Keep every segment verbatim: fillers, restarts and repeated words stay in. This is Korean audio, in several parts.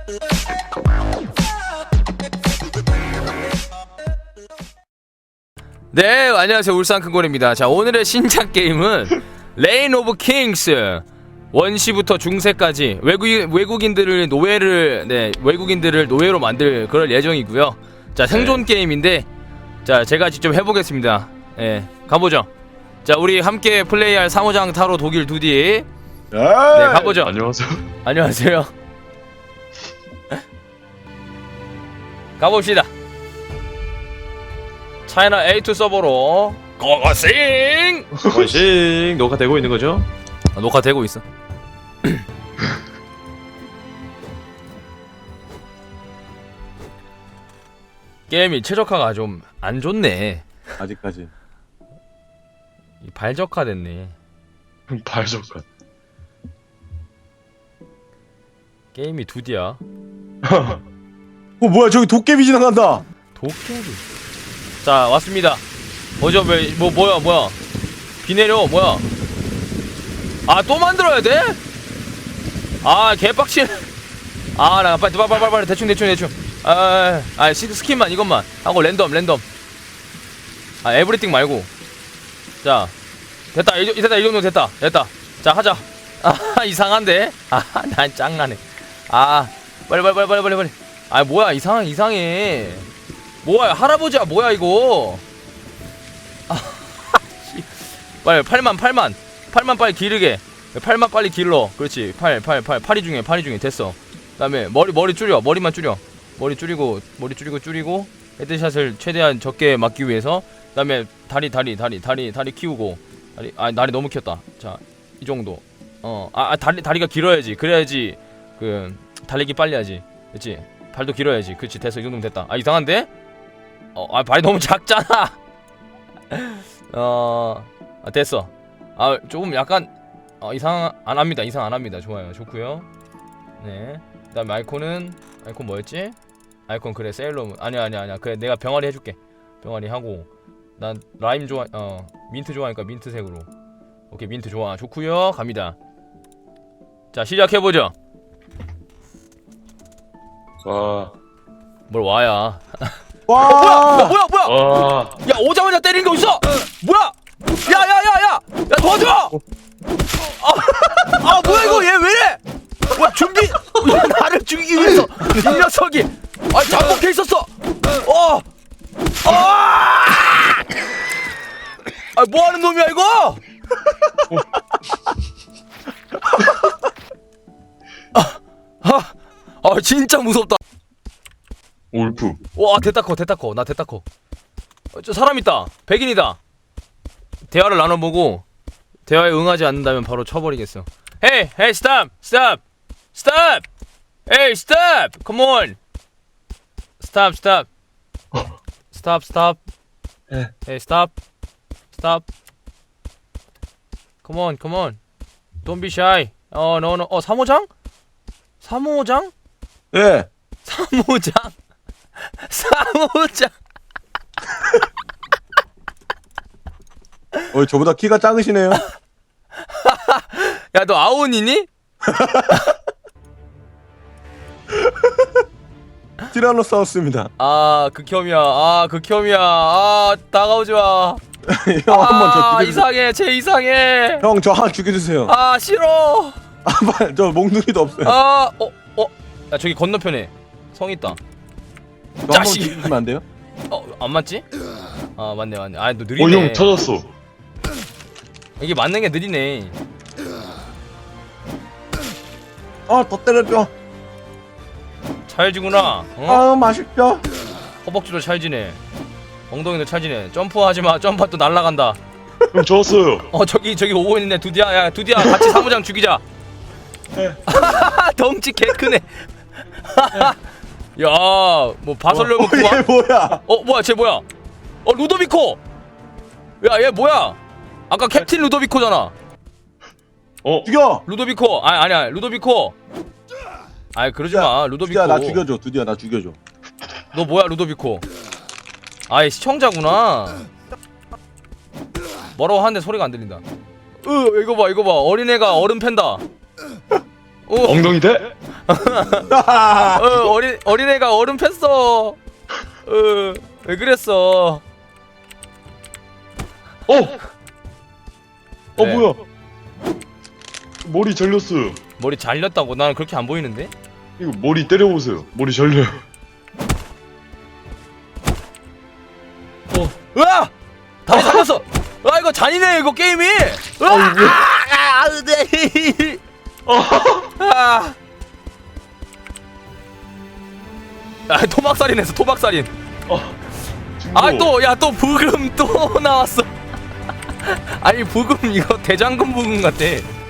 네, 안녕하세요. 울산 큰골입니다. 자, 오늘의 신작 게임은 레인 오브 킹스 원시부터 중세까지 외국인, 외국인들을 노예를 네 외국인들을 노예로 만들 그럴 예정이고요. 자, 생존 네. 게임인데 자, 제가 직접 해보겠습니다. 예, 네, 가보죠. 자, 우리 함께 플레이할 사모장 타로 독일 두디. 네, 가보죠. 안녕하세요. 안녕하세요. 가봅시다. 차이나 에이 투 서버로 고고싱! 고고싱! 녹화되고 있는 거죠? 아, 녹화되고 있어. 게임이 최적화가 좀 안 좋네. 아직까지. 발적화 됐네. 발적화. 게임이 두디야. 어 뭐야, 저기 도깨비 지나간다. 도깨비. 자, 왔습니다. 어저 왜 뭐 뭐야 뭐야? 비 내려 뭐야? 아, 또 만들어야 돼? 아, 개빡치네. 아, 나 빨리 빨리 빨리 빨리 대충 대충 대충. 아, 아, 스킨만 이것만 하고 랜덤 랜덤. 아, 에브리띵 말고. 자, 됐다. 이, 됐다. 이 정도 됐다. 됐다. 자, 하자. 아, 이상한데? 아, 난 짱나네. 아, 빨리 빨리 빨리 빨리 빨리 빨리. 아, 뭐야, 이상 이상해. 뭐야, 할아버지야, 뭐야 이거? 아, 빨리 팔만 팔만 팔만 빨리 기르게. 팔만 빨리 길러. 그렇지. 팔 팔 팔 팔이 중에 팔이 중에 됐어. 그다음에 머리 머리 줄여. 머리만 줄여. 머리 줄이고 머리 줄이고 줄이고 헤드샷을 최대한 적게 막기 위해서. 그다음에 다리 다리 다리 다리 다리 키우고. 다리 아 다리 너무 켰다. 자, 이 정도. 어, 아, 아 다리 다리가 길어야지. 그래야지 그 달리기 빨리 하지. 그렇지. 발도 길어야지. 그렇지. 됐어. 이 정도면 됐다. 아, 이상한데? 어, 아, 발이 너무 작잖아. 어, 아, 됐어. 아, 조금 약간 어, 이상 안 합니다. 이상 안 합니다. 좋아요. 좋고요. 네. 그다음에 아이콘은 아이콘 뭐였지? 아이콘 그래 세일러문. 아니야 아니야 아니야. 그래 내가 병아리 해줄게. 병아리 하고 난 라임 좋아. 어 민트 좋아하니까 민트색으로. 오케이, 민트 좋아. 좋고요. 갑니다. 자, 시작해 보죠. 와. 뭘 와야? 와. 뭐야 뭐야 뭐야? 와. 야, 오자마자 때리는 거 있어. 뭐야? 야야야야! 야, 도와줘! 아, 아 뭐야 이거 얘 왜래? 뭐야, 준비 나를 죽이기 위해서 이 녀석이 아 잠복해 있었어. 어, 아, 아 뭐하는 놈이야 이거? 아, 아, 아 진짜 무섭다. 울프. 와, 됐다 커 됐다 커 나 됐다 커. 어, 저 사람 있다. 백인이다. 대화를 나눠보고 대화에 응하지 않는다면 바로 쳐버리겠어. Hey, hey, stop, stop, stop. Hey, stop. Come on. Stop, stop, stop, stop. Hey, stop, stop. Come on, come on. Don't be shy. 어, no, no. 어, 사모장? 사모장? 예. 사모장? 사모장? 어, 저보다 키가 작으시네요. 야, 너 아온이니? 티라노사우스입니다. 아, 극혐이야. 아, 극혐이야. 아, 다가오지 마. 형 한번 저 아, 죽여주세요. 이상해. 쟤 이상해. 형 저 하나 죽여주세요. 아, 싫어. 아, 빨리, 저 몽둥이도 없어요. 아, 어, 어. 야, 저기 건너편에 성 있다. 저 한번 자식. 죽여주면 안 돼요? 어, 안 맞지? 아, 맞네, 맞네. 아, 너 어, 느리네. 형 터졌어. 이게 맞는 게 느리네. 아, 더 때려줘. 찰지구나. 어? 아, 맛있죠. 허벅지도 찰지네. 엉덩이도 찰지네. 점프하지 마. 점프 또 날아간다. 형 졌어요. 어, 저기 저기 오고 있네. 두디야. 야, 두디야. 같이 사무장 죽이자. 덩치 개 크네. 야, 뭐 바설려고 어, 얘 뭐야? 어, 뭐야? 쟤 뭐야? 어, 루도비코. 야, 얘 뭐야? 아까 캡틴 루도비코잖아. 어? 죽여. 루도비코. 아, 아니야. 루도비코. 아이, 그러지 마. 루도비코. 두디야 나 죽여줘. 두디야 나 죽여줘. 너 뭐야, 루도비코? 아이, 시청자구나. 뭐라고 하는데 소리가 안 들린다. 으, 이거 봐, 이거 봐. 어린애가 어른 팬다. 어, 엉덩이 대? 어, 어린 어린애가 얼음 폈어. 어, 왜 그랬어? 어! 어 네. 뭐야? 머리 잘렸어요. 머리 잘렸다고? 나는 그렇게 안 보이는데? 이거 머리 때려보세요. 머리 잘려요. 어, 으아! 다리 살렸어. 아 이거 잔인해 이거 게임이. 으아! 아, 왜? 아, 아, 네. 아, 아, 토막살인했어 토막살인. 아, 중국. 아 또 야 또 부금 또 나왔어. 아니 부금 이거 대장금 부금 같아.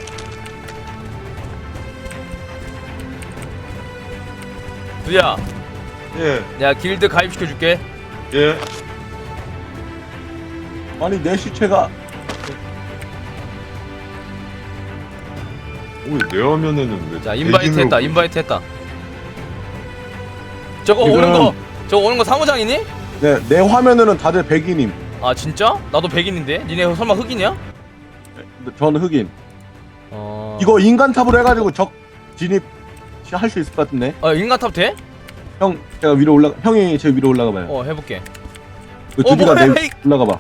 두야, 예, 야 길드 가입시켜줄게. 예. 아니 내 시체가 왜 내 화면에는 왜? 자 인바이트 백인으로 했다 보여? 인바이트 했다. 저거 지금- 오는 거 저거 오는 거 사무장이니? 네, 내 화면에는 다들 백인임. 아 진짜? 나도 백인인데? 니네 설마 흑인이야? 근데 저는 흑인. 어... 이거 인간 탑으로 해가지고 적 진입 할 수 있을 것 같은데. 어 인간탑 돼? 형 제가 위로 올라 형이 제 위로 올라가 봐요. 어 해볼게. 그 어, 두디가 뭐야, 내 이- 올라가 봐.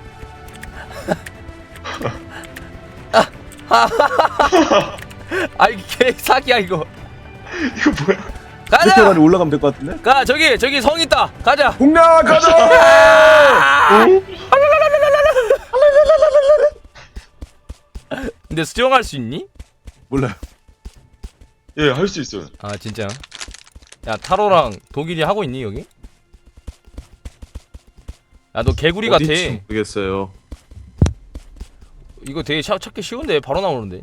아이 개 사기야 이거. 이거 뭐야? 이렇게 가자! 해가지고 올라가면 될 것 같은데. 가 저기 저기 성 있다 가자. 공략 가자. 근데 수영할 수 있니? 몰라요. 예, 할 수 있어요. 아 진짜? 야 타로랑 독일이 하고 있니 여기? 야 너 개구리 같아. 어딘지 모르겠어요. 이거 되게 차, 찾기 쉬운데 바로 나오는데.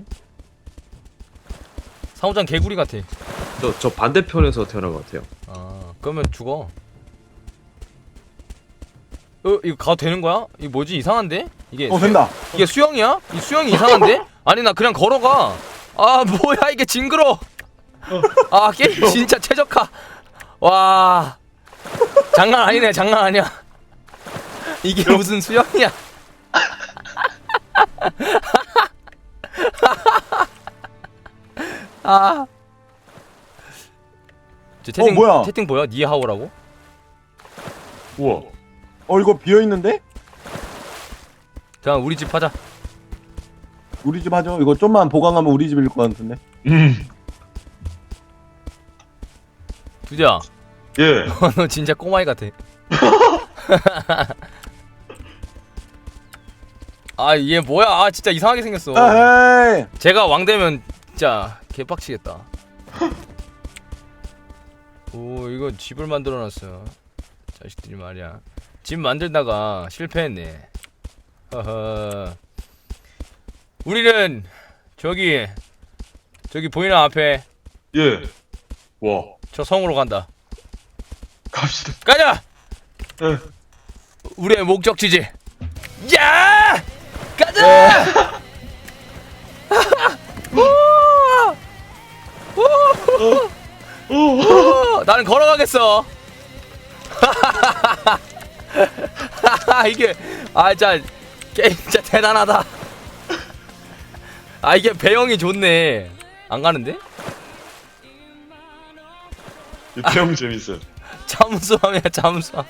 사무장 개구리 같아. 저, 저 반대편에서 태어난 것 같아요. 아 그러면 죽어. 어 이거 가도 되는 거야? 이거 뭐지 이상한데? 이게 어 된다. 이게 수영이야? 이 수영이 이상한데? 아니 나 그냥 걸어가. 아 뭐야 이게 징그러. 아 게임 진짜 최적화. 와 장난 아니네 장난 아니야. 이게 무슨 수영이야? 아. 저 채팅, 어, 뭐야? 채팅 보여? 니하오라고? 우와. 어 이거 비어 있는데? 그냥 우리 집 하자. 우리 집 하죠. 이거 좀만 보강하면 우리 집일 것 같은데. 음. 두자, 예. 너 진짜 꼬마이 같아. 아, 얘 뭐야? 아, 진짜 이상하게 생겼어. 에헤이. 제가 왕 되면 진짜 개빡치겠다. 오, 이거 집을 만들어놨어. 자식들이 말이야. 집 만들다가 실패했네. 허허. 우리는 저기 저기 보이는 앞에 예. 와. 저 성으로 간다. 갑시다. 가자. 예. 우리의 목적지지. 야! 가자! 우와! 우와! 우와! 나는 걸어가겠어. 이게 아 진짜 게임 진짜 대단하다. 아 이게 배영이 좋네. 안 가는데? 이 태형 재밌어요. 잠수함이야 잠수함.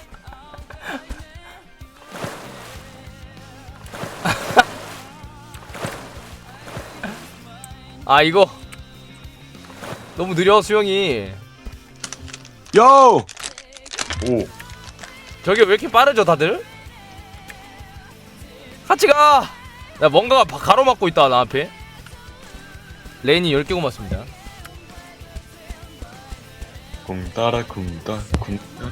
아 이거 너무 느려 수영이. 요. 오. 저게 왜 이렇게 빠르죠 다들? 같이 가! 야 뭔가가 바- 가로막고 있다 나 앞에. 레인이 열 개 고맙습니다. 궁따라 궁따 궁따라.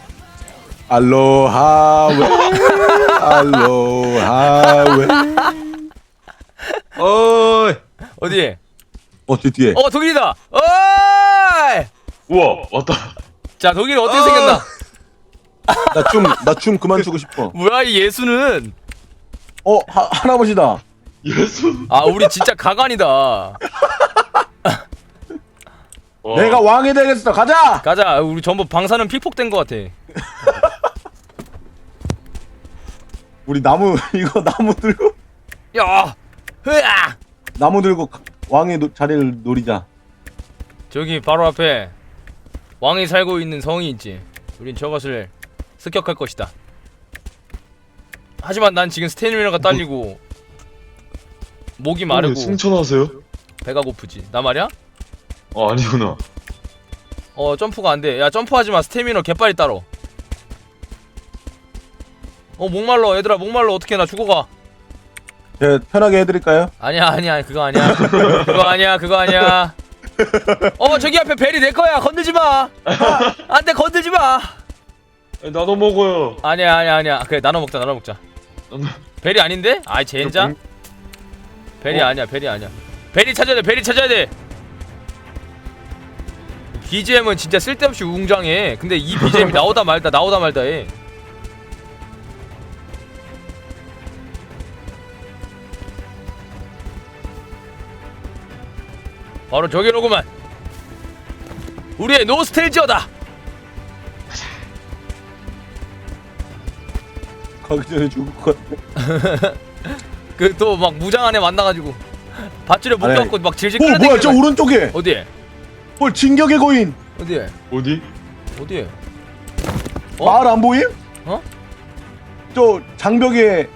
알로하 웨. 알로하 웨. 어이! 어디? 어 뒤- 뒤에. 어 독일이다! 어이! 우와, 왔다. 자 독일 어떻게 어! 생겼나? 나 춤 나 춤 그만 추고 싶어. 뭐야 이 예수는. 어 하, 할아버지다. 예수. 아 우리 진짜 가관이다. 와. 내가 왕이 되겠어. 가자. 가자. 우리 전부 방사능 피폭된 것 같아. 우리 나무 이거 나무 들고 야! 흐아! 나무 들고 가- 왕의 노, 자리를 노리자. 저기 바로 앞에 왕이 살고 있는 성이 있지. 우린 저것을 습격할 것이다. 하지만 난 지금 스태미나가 딸리고 목이 마르고 승천하세요? 배가 고프지. 나 말이야? 아 아니구나. 어 점프가 안돼. 야 점프하지마. 스태미너 개빨리 따러. 어 목말라 얘들아. 목말라 어떡해. 나 죽어가. 제가 편하게 해드릴까요? 아니야 아니야 그거 아니야. 그거 아니야 그거 아니야. 어 저기 앞에 벨이 내 거야. 건들지마. 안돼 건들지마. 아니, 나도 먹어요. 아니야 아니야 아니야. 그래 나눠 먹자 나눠 먹자. 나도- 벨이 아닌데? 아이 젠장. 벨이 어? 아니야 벨이 아니야. 벨이 찾아야 돼 벨이 찾아야 돼. 비지엠은 진짜 쓸데없이 웅장해. 근데 이 비지엠이 나오다 말다 나오다 말다 해. 바로 저기로구만. 우리의 노스텔지어다. 가기 전에 죽을 것 같아. 그 또 막 무장 안에 만나가지고 밧줄에 아니, 묶여갖고 막 질질 어 끌어당기는 뭐야 저 거야. 오른쪽에 어디에? 뭘 진격의 거인 어디에? 어디? 어디에? 어? 마을 안 보임? 어? 저 장벽에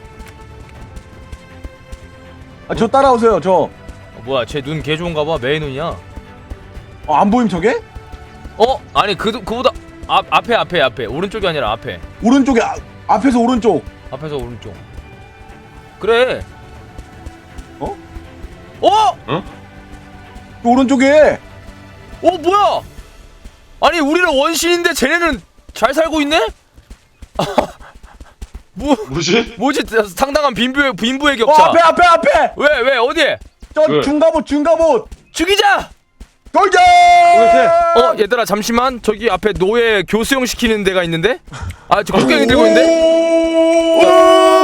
아, 저 따라오세요 저. 어, 뭐야 쟤 눈 개 좋은가 봐. 매의 눈이야. 어, 안 보임 저게? 어? 아니 그 그보다 앞 앞에 앞에 앞에 오른쪽이 아니라 앞에. 오른쪽에 아, 앞에서 오른쪽. 앞에서 오른쪽. 그래. 어? 어? 저 오른쪽에. 어 뭐야? 아니 우리는 원신인데 쟤네는 잘 살고 있네? 뭐 뭐지? 뭐지? 상당한 빈부의 빈부의 어 격차. 앞에 앞에 앞에. 왜 왜 어디에? 저 왜? 중갑옷 중갑옷. 죽이자. 돌자. 어 얘들아 잠시만. 저기 앞에 노예 교수용 시키는 데가 있는데? 아 저 국경이 들고 있는데?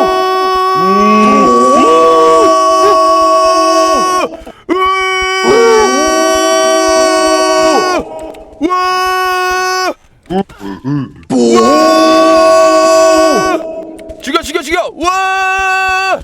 죽여 죽여 죽여. 우와!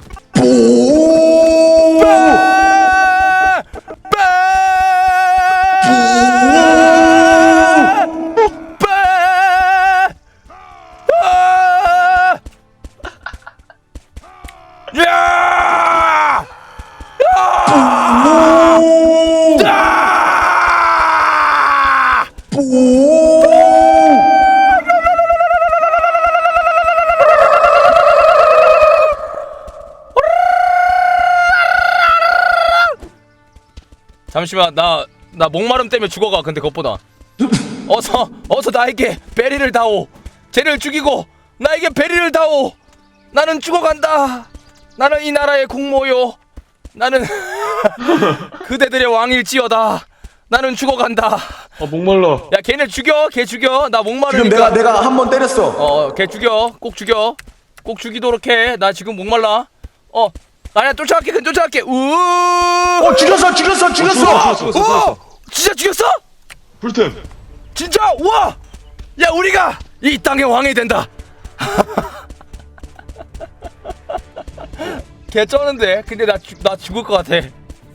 잠시만 나 나 목마름 때문에 죽어가. 근데 그것보다 어서 어서 나에게 베리를 다오. 쟤를 죽이고 나에게 베리를 다오. 나는 죽어간다. 나는 이 나라의 공모요. 나는 그대들의 왕일지어다. 나는 죽어간다. 아 목말라. 야 걔네 죽여. 걔 죽여. 나 목마르니까. 지금 내가 내가 한 번 때렸어. 어걔 죽여. 꼭 죽여. 꼭 죽이도록 해. 나 지금 목말라. 어 아니야 쫓아갈게. 그냥 쫓아갈게. 우어 어 죽였어 죽였어 죽였어. 죽었어, 죽었어, 죽었어. 진짜 죽였어? 풀템. 진짜? 우와! 야 우리가 이 땅의 왕이 된다. 개 쩌는데. 근데 나, 죽, 나 죽을 것 같아.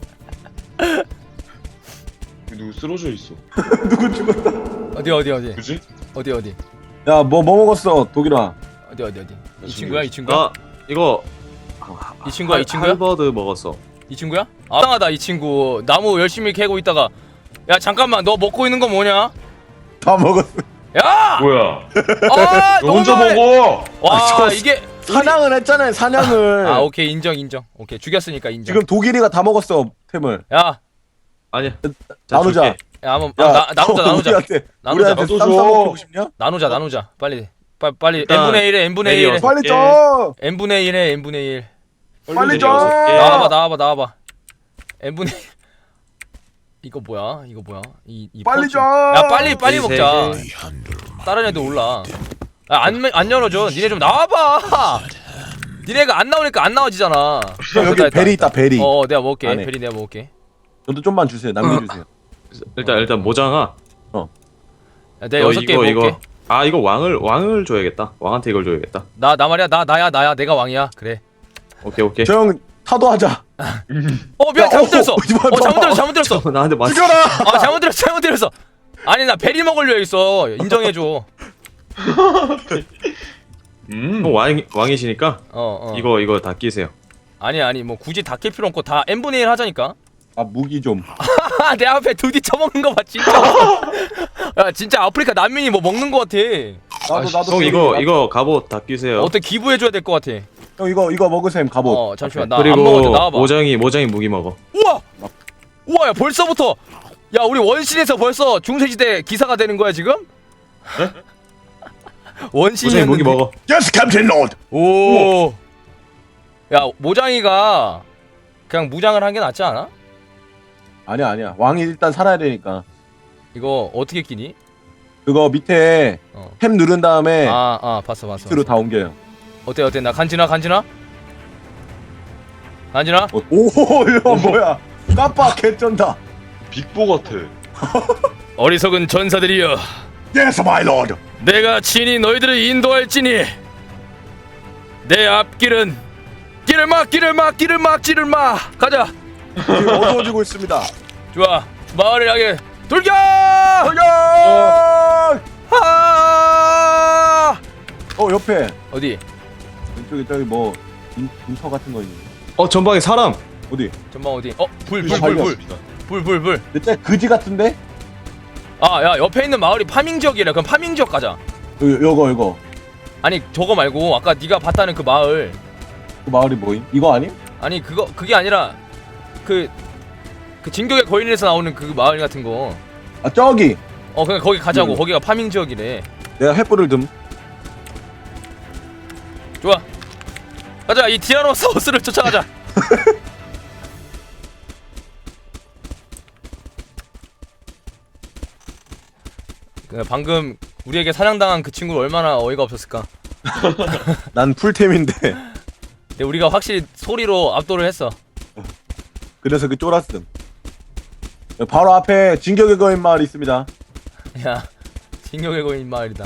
누구 쓰러져 있어? 누구 죽었다. 어디 어디 어디 그지? 어디 어디 야 뭐 뭐 먹었어 독일아. 어디 어디 어디 이 나 친구야 이 지금- 친구야? 아 이거 이 친구야 이 친구야? 할버드 먹었어. 이 친구야? 아 이상하다 이 친구. 나무 열심히 캐고 있다가 야 잠깐만 너 먹고 있는 거 뭐냐? 다 먹었어. 야! 뭐야? 아 너 너무 혼자 많네. 먹어. 와 아, 저- 이게 사냥을 했잖아요 사냥을. 아 오케이 인정 인정. 오케이 죽였으니까 인정. 지금 독일이가 다 먹었어 템을. 야 아니야. 나누자. 줄게. 야 한번 야, 아, 나, 나누자 어, 나누자 우리한테 나누자 우리한테 나도 쌈 줘. 싸먹고 싶냐? 나누자 나누자 빨리 빨리 빨리 일단 n분의 일에 n분의 일에 내려. 빨리 예. 줘. n분의 일에 n분의 일. 빨리 줘. 여섯 개. 나와봐 나와봐 나와봐. n분의 일. 이거 뭐야 이거 뭐야 이, 이 빨리 파우치. 줘. 야 빨리 빨리 이 먹자. 세 다른 애들 올라. 안안 안 열어줘. 니네 좀 나와봐. 니네가 안 나오니까 안 나와지잖아. 여기 베리 있다 베리. 어 내가 먹을게. 안에. 베리 내가 먹을게. 저도 좀만 주세요. 남겨주세요. 일단 일단 모장아. 야, 내가 너 여섯 개 이거 먹을게. 이거. 아 이거 왕을 왕을 줘야겠다. 왕한테 이걸 줘야겠다. 나 나 말이야 나 나야 나야 내가 왕이야. 그래. 오케이 오케이. 저 형 사도하자. 어 미안 야, 잘못 어, 들었어. 어, 이거 어 잘못 봐. 들었어 잘못 들었어. 나한테 맞. 죽여라. 아 잘못 들었어 잘못 들었어. 아니 나 베리 먹으려 했어. 인정해줘. 음. 형 왕 왕이시니까 어 어. 이거 이거 다 끼세요. 아니 아니 뭐 굳이 다 낄 필요 없고 다 엔 분의 일 하자니까. 아 무기 좀. 내 앞에 두디 처먹는 거 봐 진짜. 야 진짜 아프리카 난민이 뭐 먹는 거 같아. 나도 아, 나도. 형 저기 이거 나- 이거 갑옷 다 끼세요. 어떻게 기부해줘야 될 것 같아. 형 이거 이거 먹으셈 갑옷. 어 잠시만 나 안 그리고 먹어도 나와봐. 모장이 모장이 무기 먹어. 우와! 우와 야 벌써부터 야 우리 원신에서 벌써 중세시대 기사가 되는 거야 지금? 모장이 무기 원신이었는데 먹어. Yes, Captain Lord. 오. 야 모장이가 그냥 무장을 한 게 낫지 않아? 아니야 아니야. 왕이 일단 살아야 되니까. 이거 어떻게 끼니? 그거 밑에 어. 탭 누른 다음에 아 아 봤어 봤어. 밑으로 다 옮겨요. 어때 어때 나 간지나 간지나? 간지나? 어, 오 이거 뭐야? 깜빡 개쩐다. 빅보 같아. 어리석은 전사들이여 Yes, my lord. 내가 친히 너희들을 인도할지니 내 앞길은 길을 막 길을 막 길을 막 길을 막 가자. 지금 어두워지고 있습니다. 좋아 마을을 향해 돌격! 돌격! 아! 어 옆에 어디? 왼쪽에 저기 뭐 인, 인터 같은 거 있는. 어 전방에 사람. 어디? 전방 어디? 어 불 이거 불 불 불 알겠습니다. 불 불 불. 진짜 그지 같은데? 아 야 옆에 있는 마을이 파밍 지역이래. 그럼 파밍 지역 가자. 요, 요거 요거. 아니 저거 말고 아까 네가 봤다는 그 마을. 그 마을이 뭐임? 이거 아님? 아니 그거 그게 아니라 그 그 진격의 거인에서 나오는 그 마을 같은 거. 아 저기. 어 그냥 거기 가자고. 음. 거기가 파밍 지역이래. 내가 횃불을 듬. 좋아. 가자 이 티라노사우스를 쫓아가자. 그 방금 우리에게 사냥당한 그 친구 얼마나 어이가 없었을까. 난 풀템인데. 근데 우리가 확실히 소리로 압도를 했어. 그래서 그 쫄았음. 바로 앞에 진격의 거인 마을 있습니다. 야 진격의 거인 마을이다.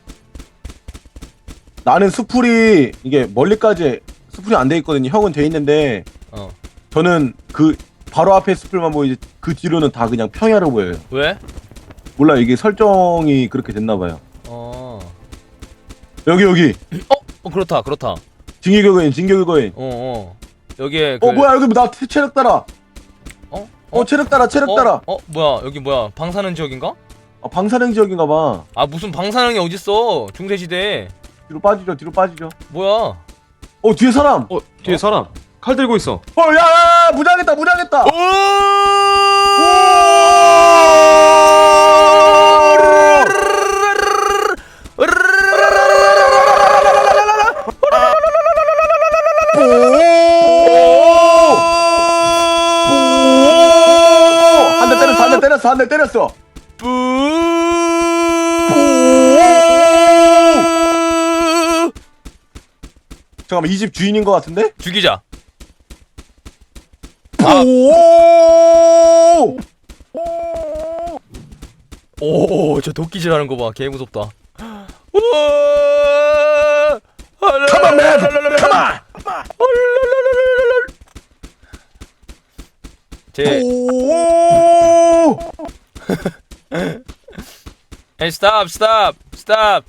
나는 수풀이 이게 멀리까지 수풀이 안 돼 있거든요. 형은 돼 있는데 어 저는 그 바로 앞에 수풀만 보이지 그 뒤로는 다 그냥 평야로 보여요. 왜? 몰라 이게 설정이 그렇게 됐나 봐요. 어. 여기 여기 어? 어 그렇다 그렇다. 진격의 거인 진격의 거인. 어 어. 여기에 그 어 뭐야 여기 나 체- 체력 따라. 어? 어 체력 따라 체력 어? 따라. 어 뭐야 여기 뭐야 방사능 지역인가? 아, 방사능 지역인가 봐. 아 무슨 방사능이 어딨어 중세시대에. 뒤로 빠지죠 뒤로 빠지죠. 뭐야? 어 뒤에 사람. 어 뒤에 사람. 칼 들고 있어. 어야 야, 야, 무장했다 무장했다. 한 대 때렸어 한 대 때렸어 한 대 때렸어. 잠깐만 이 집 주인인 것 같은데? 죽이자. 오! 오, 저 도끼질 하는 거 봐. 개 무섭다. 우와! Come on, man! Come on! 제, 오! hey, stop, stop, stop.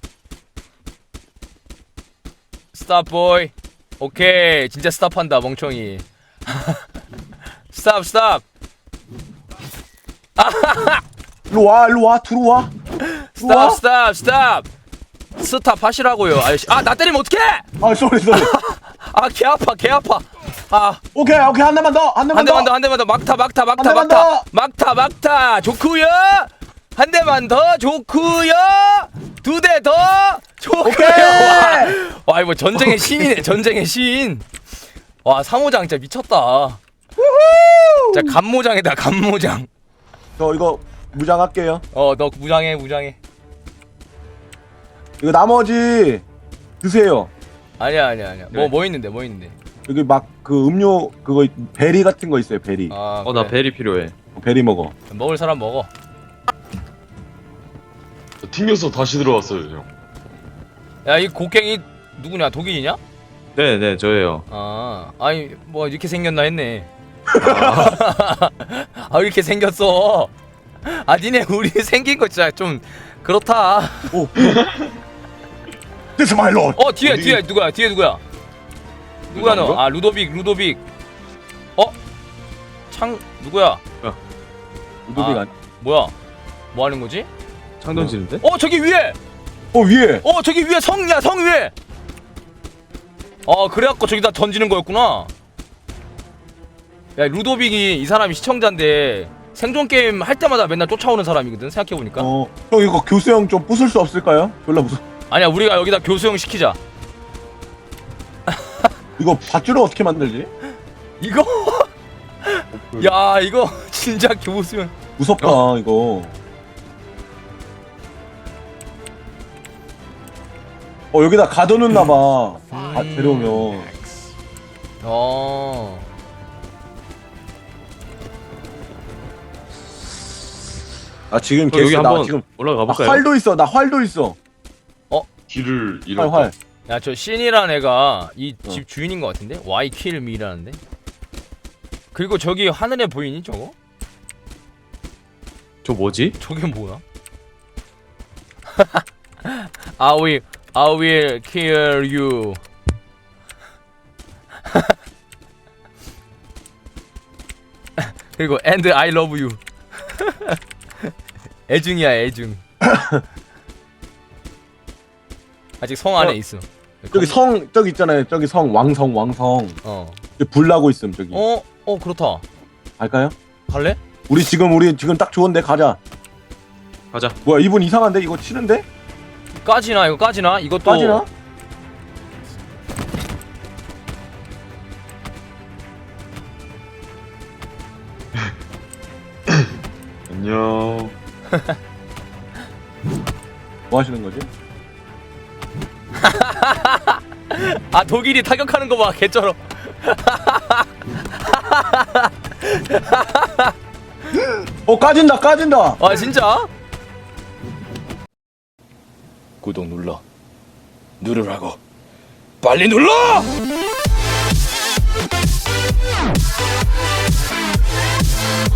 Stop, boy. 오케이, 진짜 스탑한다, 멍청이. Stop, stop. 일로 와, 일로 와, 들어와. Stop, stop, stop. 스탑 하시라고요, 아저씨. 아, 나 때리면 어떡해! 아, 쏘리, 쏘리. 아, 개 아파, 개 아파. 아, 오케이, 오케이, 한 대만 더, 한 대만 한 대만 더. 더, 한 대만 더. 막타, 막타, 막타, 한 대만 막타. 더. 막타, 막타. 좋구요. 한 대만 더. 좋구요. 두 대 더. 좋구요. 오케이. 와, 이거 전쟁의 신이네. 전쟁의 신. 와, 사모장 진짜 미쳤다. 진짜 간모장이다, 간모장. 저 이거 무장할게요. 어, 너 무장해, 무장해. 이거 나머지 드세요. 아니야, 아니야, 아니야. 뭐, 네. 뭐 있는데, 뭐 있는데. 여기 막 그 음료 그거 베리 같은 거 있어요, 베리. 아, 어 나 그래. 벨이 필요해. 베리 먹어. 먹을 사람 먹어. 튕겨서 다시 들어왔어요 형. 야, 이 곡괭이 누구냐? 독일이냐? 네네 저예요. 아, 아니 뭐 이렇게 생겼나 했네. 아 이렇게 생겼어. 아 니네 우리 생긴 거 진짜 좀 그렇다. 오. This is my lord. 어 뒤에 뒤에 누구야? 뒤에 누구야? 누구야 너? 누구인가? 아 루도빅 루도빅. 어? 창 누구야? 루도빅 아. 아니? 뭐야? 뭐 하는 거지? 창 던지는데? 어 저기 위에. 어 위에. 어 저기 위에 성이야 성 위에. 어 그래갖고 저기다 던지는 거였구나. 야 루도빅이 이 사람이 시청자인데 생존 게임 할 때마다 맨날 쫓아오는 사람이거든 생각해보니까. 어. 형 이거 교수형 좀 부술 수 없을까요? 졸라 무서. 아니야 우리가 여기다 교수형 시키자. 이거 밧줄을 어떻게 만들지? 이거 야 이거 진짜 교수형. 무섭다 이거. 어 여기다 가둬놓나봐. 아 데려오면. 어. 아 지금 어, 여기 개수 나 한번 지금 올라가 나 볼까요? 활도 있어. 나 활도 있어. 길을 활 잃었다. 활. 야 저 신이란 애가 이 집 어. 주인인 것 같은데? Why kill me라는데? 그리고 저기 하늘에 보이니 저거? 저 뭐지? 저게 뭐야? I will, I will kill you. 그리고 and I love you. 애중이야 애중. 아직 성 안에 어, 있어. 저기 성 저기 있잖아요. 저기 성 왕성 왕성. 어. 저기 불 나고 있음 저기. 어, 어 그렇다. 갈까요? 갈래? 우리 지금 우리 지금 딱 좋은데 가자. 가자. 뭐야 이분 이상한데 이거 치는데? 까지나 이거 까지나? 이것도 빠지나? 안녕. 뭐 하시는 거지? 아 독일이 타격하는 거 봐 개쩔어. 어 까진다 까진다. 아 진짜? 구독 눌러 누르라고 빨리 눌러!